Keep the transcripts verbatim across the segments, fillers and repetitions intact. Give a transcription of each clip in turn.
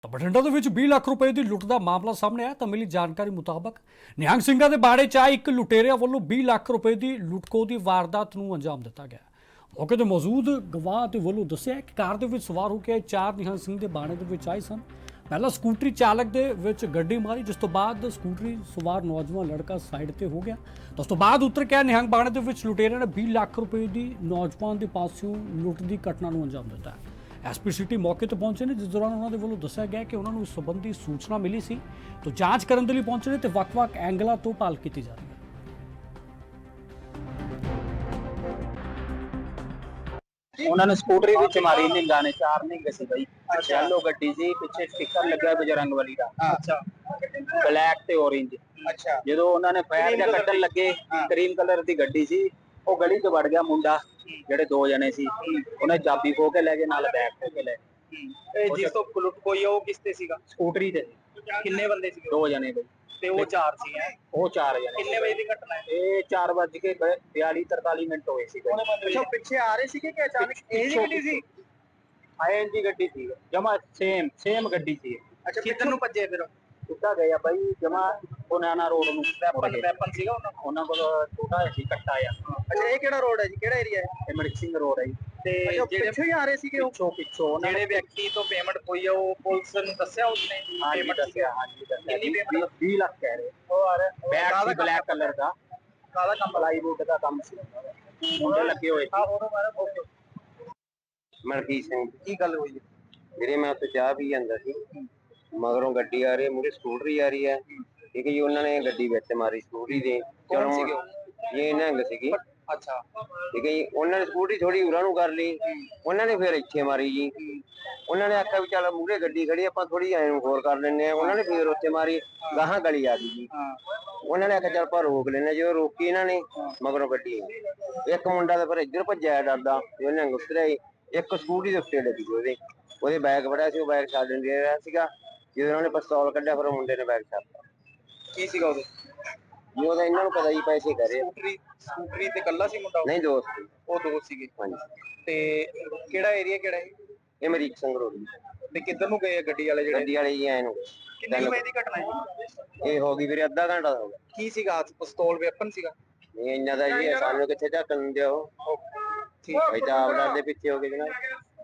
ਤਾਂ ਬਠਿੰਡਾ ਦੇ ਵਿੱਚ ਵੀਹ ਲੱਖ ਰੁਪਏ ਦੀ ਲੁੱਟ ਦਾ ਮਾਮਲਾ ਸਾਹਮਣੇ ਆਇਆ ਤਾਂ ਮਿਲੀ ਜਾਣਕਾਰੀ ਮੁਤਾਬਕ ਨਿਹੰਗ ਸਿੰਘਾਂ ਦੇ ਬਾੜੇ 'ਚ ਆਏ ਇੱਕ ਲੁਟੇਰਿਆਂ ਵੱਲੋਂ ਵੀਹ ਲੱਖ ਰੁਪਏ ਦੀ ਲੁੱਟਖੋ ਦੀ ਵਾਰਦਾਤ ਨੂੰ ਅੰਜਾਮ ਦਿੱਤਾ ਗਿਆ। ਮੌਕੇ ਤੇ ਮੌਜੂਦ ਗਵਾਹ ਦੇ ਵੱਲੋਂ ਦੱਸਿਆ ਕਿ ਕਾਰ ਦੇ ਵਿੱਚ ਸਵਾਰ ਹੋ ਕੇ ਚਾਰ ਨਿਹੰਗ ਸਿੰਘ ਦੇ ਬਾੜੇ ਦੇ ਵਿੱਚ ਆਏ ਸਨ। ਪਹਿਲਾਂ ਸਕੂਟਰੀ ਚਾਲਕ ਦੇ ਵਿੱਚ ਗੱਡੀ ਮਾਰੀ, ਜਿਸ ਤੋਂ ਬਾਅਦ ਸਕੂਟਰੀ ਸਵਾਰ ਨੌਜਵਾਨ ਲੜਕਾ ਸਾਈਡ ਤੇ ਹੋ ਗਿਆ। ਉਸ ਤੋਂ ਬਾਅਦ ਉਤਰ ਕੇ ਨਿਹੰਗ ਬਾੜੇ ਦੇ ਵਿੱਚ ਲੁਟੇਰਿਆਂ ਨੇ ਵੀਹ ਲੱਖ ਰੁਪਏ ਦੀ ਨੌਜਵਾਨ ਦੇ ਪਾਸਿਓਂ ਲੁੱਟ ਦੀ ਘਟਨਾ ਨੂੰ ਅੰਜਾਮ ਦਿੱਤਾ। ਐਸਪੀ ਸਿਟੀ ਮੌਕੇ ਤੇ ਪਹੁੰਚੇ ਨੇ, ਜਿਸ ਦੌਰਾਨ ਉਹਨਾਂ ਦੇ ਵੱਲੋਂ ਦੱਸਿਆ ਗਿਆ ਕਿ ਉਹਨਾਂ ਨੂੰ ਇਸ ਸੰਬੰਧੀ ਸੂਚਨਾ ਮਿਲੀ ਸੀ ਤਾਂ ਜਾਂਚ ਕਰਨ ਦੇ ਲਈ ਪਹੁੰਚੇ ਨੇ ਤੇ ਵੱਖ-ਵੱਖ ਐਂਗਲਾਂ ਤੋਂ ਭਾਲ ਕੀਤੀ ਜਾ ਰਹੀ ਹੈ। उन्होंने स्कूटरी भी मारी निंगा ने चार निंग सी भाई येलो गड्डी सी पिछे स्टिकर लगा बजरंग वाली दा अच्छा ब्लैक ते ऑरेंज अच्छा ਜਦੋਂ ਉਹਨਾਂ ਨੇ ਫਾਇਰ ਜਾਂ ਕੱਢਣ ਲੱਗੇ ਕਰੀਮ ਕਲਰ ਦੀ ਗੱਡੀ ਸੀ ਉਹ ਗਲੀ 'ਚ ਵੜ ਗਿਆ ਮੁੰਡਾ ਜਿਹੜੇ ਦੋ ਜਣੇ ਸੀ ਉਹਨੇ ਚਾਬੀ ਖੋ ਕੇ ਲੈ ਗਏ ਨਾਲ ਬੈਗ ਖੋ ਕੇ ਲੈ ਗਏ ਇਹ ਜਿਸ ਤੋਂ ਲੁੱਟ ਕੋਈ ਉਹ ਕਿਸ ਤੇ ਸੀਗਾ ਸਕੂਟਰੀ ਤੇ ਕਿੰਨੇ ਬੰਦੇ ਸੀ ਦੋ ਜਣੇ ਬਈ ਤੇ ਉਹ ਚਾਰ ਸੀ ਹੈ ਉਹ ਚਾਰ ਜਣੇ ਕਿੰਨੇ ਵਜੇ ਦੀ ਘਟਨਾ ਹੈ ਇਹ ਚਾਰ ਵੱਜ ਕੇ ਬयालीस तरतालीस ਮਿੰਟ ਹੋਏ ਸੀ ਅੱਛਾ ਪਿੱਛੇ ਆ ਰਹੇ ਸੀਗੇ ਕਿ ਅਚਾਨਕ ਇਹ ਜੀ ਗੱਡੀ ਸੀ ਆਈ ਦੀ ਗੱਡੀ ਸੀ ਜਮਾ ਸੇਮ ਸੇਮ ਗੱਡੀ ਸੀ ਅੱਛਾ ਕਿੱਧਰ ਨੂੰ ਭੱਜੇ ਫਿਰ ਕਿੱਦਾਂ ਗਏ ਆ ਬਾਈ ਜਮਾ ਬਨਾਨਾ ਰੋਡ ਨੂੰ ਵੈਪਨ ਵੈਪਨ ਸੀਗਾ ਉਹਨਾਂ ਉਹਨਾਂ ਕੋਲ ਛੋਟਾ ਜਿਹਾ ਸੀ ਕੱਟਾ ਆ ਅੱਛਾ ਇਹ ਕਿਹੜਾ ਰੋਡ ਹੈ ਜੀ ਕਿਹੜਾ ਏਰੀਆ ਹੈ ਇਹ ਮਣਕ ਸਿੰਘ ਰੋਡ ਹੈ ਜੀ ਤੇ ਜਿਹੜੇ ਪਿੱਛੋਂ ਹੀ ਆ ਰਹੇ ਸੀਗੇ ਉਹ ਪਿੱਛੋਂ ਜਿਹੜੇ ਵਿਅਕਤੀ ਤੋਂ ਪੇਮੈਂਟ ਹੋਈ ਆ ਉਹ ਪੁਲਿਸ ਨੂੰ ਦੱਸਿਆ ਉਸਨੇ ਪੇਮੈਂਟ ਦੱਸਿਆ ਹਾਂਜੀ ਦੱਸਿਆ ਕਿੰਨੀ ਪੇਮੈਂਟ ਵੀਹ ਲੱਖ ਕਹਿ ਰਹੇ ਉਹ ਆ ਰਿਹਾ ਬੈਗ ਸੀ ਬਲੈਕ ਕਲਰ ਦਾ ਕਾਲਾ ਕੰਮ ਪਲਾਈਵੁੱਡ ਦਾ ਕੰਮ ਸੀ ਮੁੰਡੇ ਲੱਗੇ ਹੋਏ ਸੀ ਮਲਕੀਤ ਸਿੰਘ ਕੀ ਗੱਲ ਹੋਈ ਵੀਰੇ ਮੈਂ ਉੱਥੇ ਚਾਹ ਪੀ ਜਾਂਦਾ ਸੀ ਮਗਰੋਂ ਗੱਡੀ ਆ ਰਹੀ ਮੂਹਰੇ ਸਕੂਟਰੀ ਆ ਰਹੀ ਹੈ ਠੀਕ ਹੈ ਜੀ ਉਹਨਾਂ ਨੇ ਗੱਡੀ ਵਿੱਚ ਮਾਰੀ ਸਕੂਟਰੀ ਦੇ ਚਲੋ ਇਹ ਨਿਹੰਗ ਸੀਗੀ ਅੱਛਾ ਠੀਕ ਹੈ ਜੀ ਉਹਨਾਂ ਨੇ ਸਕੂਟਰੀ ਥੋੜੀ ਉਰਾਂ ਨੂੰ ਕਰ ਲਈ ਉਹਨਾਂ ਨੇ ਫਿਰ ਇੱਥੇ ਮਾਰੀ ਜੀ ਉਹਨਾਂ ਨੇ ਆਖਿਆ ਵੀ ਚੱਲ ਮੂਹਰੇ ਗੱਡੀ ਖੜੀ ਆਪਾਂ ਥੋੜੀ ਐਂ ਨੂੰ ਹੋਰ ਕਰ ਲੈਂਦੇ ਆ ਉਹਨਾਂ ਨੇ ਫਿਰ ਉੱਥੇ ਮਾਰੀ ਗਾਹਾਂ ਗਲੀ ਆ ਗਈ ਜੀ ਉਹਨਾਂ ਨੇ ਆਖਿਆ ਚੱਲ ਆਪਾਂ ਰੋਕ ਲੈਂਦੇ ਜਦੋਂ ਰੋਕੀ ਇਹਨਾਂ ਨੇ ਮਗਰੋਂ ਗੱਡੀ ਇੱਕ ਮੁੰਡਾ ਤਾਂ ਫਿਰ ਇੱਧਰ ਭੱਜਿਆ ਡਰਦਾ ਉਹ ਨਿਹੰਗ ਉਤਰਿਆ ਇੱਕ ਸਕੂਟਰੀ ਦੇ ਉੱਤੇ ਲੱਗੀ ਉਹਦੇ ਉਹਦੇ ਬੈਗ ਫੜਿਆ ਸੀ ਉਹ ਬੈਗ ਛੱਡਣ ਦੇ ਰਿਹਾ ਸੀਗਾ ਜਦੋਂ ਉਹਨਾਂ ਨੇ ਪਿਸਤੌਲ ਕੱਢਿਆ ਫਿਰ ਮੁੰਡੇ ਨੇ ਬੈਗ ਛੱਡਤਾ ਕੀ ਸੀਗਾ ਉਹਦੇ ਜੀ ਉਹਦਾ ਇਹਨਾਂ ਨੂੰ ਪਤਾ ਜੀ ਪੈਸੇ ਕਰੇ ਸਕੂਟਰੀ ਸਕੂਟਰੀ ਤੇ ਕੱਲਾ ਸੀ ਮੁੰਡਾ ਨਹੀਂ ਦੋਸਤ ਉਹ ਦੋਸਤ ਸੀਗੇ ਹਾਂਜੀ ਤੇ ਕਿਹੜਾ ਏਰੀਆ ਕਿਹੜਾ ਹੈ ਇਹ ਅਮਰੀਕ ਸਿੰਘ ਰੋਡ ਤੇ ਕਿੱਧਰ ਨੂੰ ਗਏ ਗੱਡੀ ਵਾਲੇ ਜਿਹੜੇ ਗੱਡੀ ਵਾਲੇ ਜੀ ਐ ਨੂੰ ਕਿੰਨੇ ਵਜੇ ਦੀ ਘਟਨਾ ਹੈ ਇਹ ਹੋ ਗਈ ਵੀਰੇ ਅੱਧਾ ਘੰਟਾ ਹੋ ਗਿਆ ਕੀ ਸੀਗਾ ਪਿਸਤੌਲ ਵੈਪਨ ਸੀਗਾ ਨਹੀਂ ਇੰਨਾ ਦਾ ਜੀ ਸਾਨੂੰ ਕਿੱਥੇ ਝੱਕਣ ਦਿਓ ਠੀਕ ਹੈ ਤਾਂ ਆਪ ਡਰ ਦੇ ਪਿੱਛੇ ਹੋ ਗਏ ਜਨਾਬ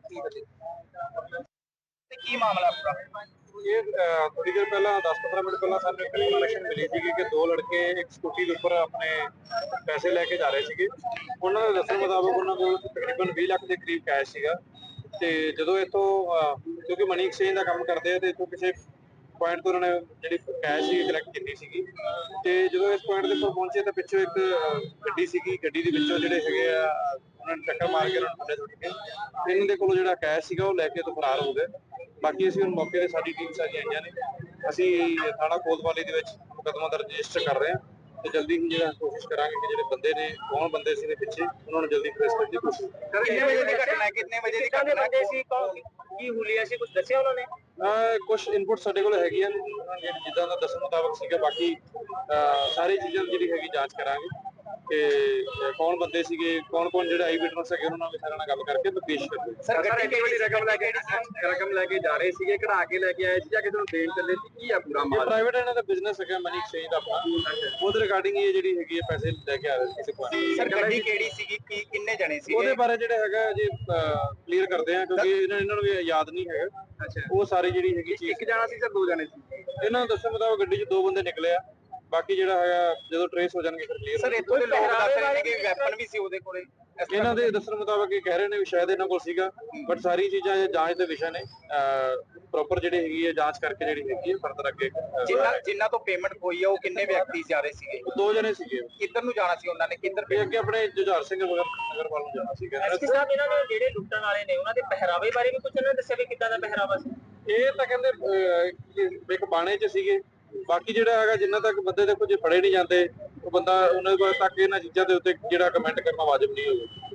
ਤੇ ਕੀ ਮਾਮਲਾ ਪੂਰਾ ਇਹ ਥੋੜੀ ਦੇਰ ਪਹਿਲਾਂ ਦਸ ਪੰਦਰਾਂ ਮਿੰਟ ਪਹਿਲਾਂ ਸਾਨੂੰ ਇੱਕ ਇਨਫੋਰਮੇਸ਼ਨ ਮਿਲੀ ਸੀ ਕਿ ਦੋ ਲੜਕੇ ਇੱਕ ਸਕੂਟੀ ਦੇ ਉੱਪਰ ਆਪਣੇ ਪੈਸੇ ਲੈ ਕੇ ਜਾ ਰਹੇ ਸੀਗੇ। ਉਹਨਾਂ ਦੇ ਦੱਸਣ ਮੁਤਾਬਕ ਉਹਨਾਂ ਕੋਲ ਤਕਰੀਬਨ ਵੀਹ ਲੱਖ ਦੇ ਕਰੀਬ ਕੈਸ਼ ਸੀਗਾ ਤੇ ਜਦੋਂ ਇੱਥੋਂ ਕਿਉਂਕਿ ਮਨੀ ਐਕਸਚੇਂਜ ਦਾ ਕੰਮ ਕਰਦੇ ਆ ਤੇ ਇੱਥੋਂ ਕਿਸੇ ਪੁਆਇੰਟ ਤੋਂ ਉਹਨਾਂ ਨੇ ਜਿਹੜੀ ਕੈਸ਼ ਸੀ ਕਲੈਕਟ ਕੀਤੀ ਸੀਗੀ ਤੇ ਜਦੋਂ ਇਸ ਪੁਆਇੰਟ ਦੇ ਉੱਪਰ ਪਹੁੰਚੇ ਤਾਂ ਪਿੱਛੋਂ ਇੱਕ ਗੱਡੀ ਸੀਗੀ ਗੱਡੀ ਦੇ ਵਿੱਚੋਂ ਜਿਹੜੇ ਹੈਗੇ ਆ ਉਹਨਾਂ ਨੇ ਟੱਕਰ ਮਾਰ ਕੇ ਉਹਨਾਂ ਨੂੰ ਥੱਲੇ ਸੁੱਟ ਕੇ ਇਹਨਾਂ ਦੇ ਕੋਲੋਂ ਜਿਹੜਾ ਕੈਸ਼ ਸੀਗਾ ਉਹ ਲੈ ਕੇ ਤੋਂ ਫਰਾਰ ਹੋ ਗਏ। ਬਾਕੀ ਅਸੀਂ ਹੁਣ ਮੌਕੇ ਤੇ ਸਾਡੀ ਟੀਮ ਸਾਰੀਆਂ ਆਈਆਂ ਨੇ ਅਸੀਂ ਥਾਣਾ ਕੋਤਵਾਲੀ ਦੇ ਵਿੱਚ ਮੁਕੱਦਮਾ ਦਰਜ ਰਜਿਸਟਰ ਕਰ ਰਹੇ ਹਾਂ ਤੇ ਜਲਦੀ ਹੀ ਜਿਹੜਾ ਕੋਸ਼ਿਸ਼ ਕਰਾਂਗੇ ਕਿ ਜਿਹੜੇ ਬੰਦੇ ਨੇ ਕੌਣ ਬੰਦੇ ਸੀ ਦੇ ਪਿੱਛੇ ਉਹਨਾਂ ਨੂੰ ਜਲਦੀ ਟ੍ਰੇਸ ਕਰਨ ਦੀ ਕੋਸ਼ਿਸ਼ ਕਰਾਂਗੇ। ਕਿੰਨੇ ਵਜੇ ਦੀ ਘਟਨਾ ਹੈ ਕਿੰਨੇ ਵਜੇ ਦੀ ਘਟਨਾ ਹੈ ਸੀ ਕੀ ਹੁਲੀਆ ਸੀ ਕੁਝ ਦੱਸਿਆ ਉਹਨਾਂ ਨੇ ਕੁਝ ਇਨਪੁਟ ਸਾਡੇ ਕੋਲ ਹੈਗੀਆਂ ਜਿੱਦਾਂ ਦਾ ਦੱਸਣ ਮੁਤਾਬਕ ਸੀਗਾ ਬਾਕੀ ਸਾਰੀ ਚੀਜ਼ਾਂ ਜਿਹੜੀ ਹੈਗੀ ਜਾਂਚ ਕਰਾਂਗੇ ਕਿ ਕੌਣ ਬੰਦੇ ਸੀਗੇ ਕੌਣ ਕੌਣ ਜਿਹੜੇ ਆਈ ਵਿਟਨੈਸ ਹੈਗੇ ਉਹਨਾਂ ਨਾਲ ਵੀ ਸਾਰਿਆਂ ਨਾਲ ਗੱਲ ਕਰਕੇ ਤੇ ਪੇਸ਼ ਕਰਾਂਗੇ। ਸਰ ਗੱਡੀ ਕਿਹੜੀ ਰਕਮ ਲੈ ਕੇ ਰਕਮ ਲੈ ਕੇ ਜਾ ਰਹੇ ਸੀਗੇ ਕਢਾ ਕੇ ਲੈ ਕੇ ਆਏ ਸੀ ਜਾਂ ਕਿਸੇ ਨੂੰ ਦੇਣ ਚੱਲੇ ਸੀ ਕੀ ਆ ਪੂਰਾ ਮਾਮਲਾ ਪ੍ਰਾਈਵੇਟ ਇਹਨਾਂ ਦਾ ਬਿਜ਼ਨਸ ਹੈਗਾ ਮਨੀ ਐਕਸਚੇਂਜ ਦਾ ਆਪਣਾ ਉਹਦੇ ਰਿਗਾਰਡਿੰਗ ਇਹ ਜਿਹੜੀ ਹੈਗੀ ਹੈ ਪੈਸੇ ਲੈ ਕੇ ਆ ਰਹੇ ਕਿਸੇ ਕੋਲ ਸਰ ਗੱਡੀ ਕਿਹੜੀ ਸੀਗੀ ਕੀ ਕਿੰਨੇ ਜਣੇ ਸੀ ਉਹਦੇ ਬਾਰੇ ਜਿਹੜਾ ਹੈਗਾ ਜੀ ਕਲੀਅਰ ਕਰਦੇ ਆ ਕਿਉਂਕਿ ਇਹਨਾਂ ਇਹਨਾਂ ਨੂੰ ਵੀ ਯਾਦ ਨਹੀਂ ਹੈਗਾ ਅੱਛਾ ਉਹ ਸਾਰੀ ਜਿਹੜੀ ਹੈਗੀ ਚੀਜ਼ ਇੱਕ ਜਣਾ ਸੀ ਸਰ ਦੋ ਜਣੇ ਸੀ ਇਹਨਾਂ ਨੂੰ ਦੱਸਣ ਮੁਤਾਬਕ ਗੱਡੀ 'ਚ ਦੋ ਬੰਦੇ ਨਿਕਲੇ ਆ ਬਾਕੀ ਜਿਹੜਾ ਹੈਗਾ ਜਦੋਂ ਟ੍ਰੇਸ ਹੋ ਜਾਣਗੇ ਫਿਰ ਕਲੀਅਰ ਸਰ ਇੱਥੋਂ ਦੇ ਲੋਕ ਦੱਸ ਰਹੇ ਨੇ ਕਿ ਵੈਪਨ ਵੀ ਸੀ ਉਹਦੇ ਕੋਲੇ ਇਹਨਾਂ ਦੇ ਦੱਸਣ ਮੁਤਾਬਕ ਇਹ ਕਹਿ ਰਹੇ ਨੇ ਵੀ ਸ਼ਾਇਦ ਇਹਨਾਂ ਕੋਲ ਸੀਗਾ ਬਟ ਸਾਰੀ ਚੀਜ਼ਾਂ ਇਹ ਜਾਂਚ ਦੇ ਵਿਸ਼ਾ ਨੇ ਪ੍ਰੋਪਰ ਜਿਹੜੀ ਹੈਗੀ ਹੈ ਜਾਂਚ ਕਰਕੇ ਜਿਹੜੀ ਹੈਗੀ ਹੈ ਫਰਦਰ ਅੱਗੇ ਜਿੰਨਾ ਜਿੰਨਾ ਤੋਂ ਪੇਮੈਂਟ ਹੋਈ ਆ ਉਹ ਕਿੰਨੇ ਵਿਅਕਤੀ ਜਾ ਰਹੇ ਸੀਗੇ ਦੋ ਜਣੇ ਸੀਗੇ ਕਿੱਧਰ ਨੂੰ ਜਾਣਾ ਸੀ ਉਹਨਾਂ ਨੇ ਕਿੱਧਰ ਇਹ ਅੱਗੇ ਆਪਣੇ ਜੁਝਾਰ ਸਿੰਘ ਨਗਰ ਵੱਲ ਨੂੰ ਜਾਣਾ ਸੀਗਾ। ਐਸਪੀ ਸਾਹਿਬ ਇਹਨਾਂ ਨੇ ਜਿਹੜੇ ਲੁੱਟਣ ਵਾਲੇ ਨੇ ਉਹਨਾਂ ਦੇ ਪਹਿਰਾਵੇ ਬਾਰੇ ਵੀ ਕੁਝ ਉਹਨਾਂ ਨੇ ਦੱਸਿਆ ਵੀ ਕਿੱਦਾਂ ਦਾ ਪਹਿਰਾਵਾ ਸੀ ਇਹ ਤਾਂ ਕਹਿੰਦੇ ਇੱਕ ਬਾਣੇ 'ਚ ਸੀਗੇ ਬਾਕੀ ਜਿਹੜਾ ਹੈਗਾ ਜਿੰਨਾ ਤੱਕ ਬੰਦੇ ਦੇਖੋ ਜੇ ਫੜੇ ਨਹੀਂ ਜਾਂਦੇ ਉਹ ਬੰਦਾ ਉਹਨਾਂ ਤੱਕ ਇਹਨਾਂ ਚੀਜ਼ਾਂ ਦੇ ਉੱਤੇ ਜਿਹੜਾ ਕਮੈਂਟ ਕਰਨਾ ਵਾਜਬ ਨਹੀਂ ਹੋਵੇ।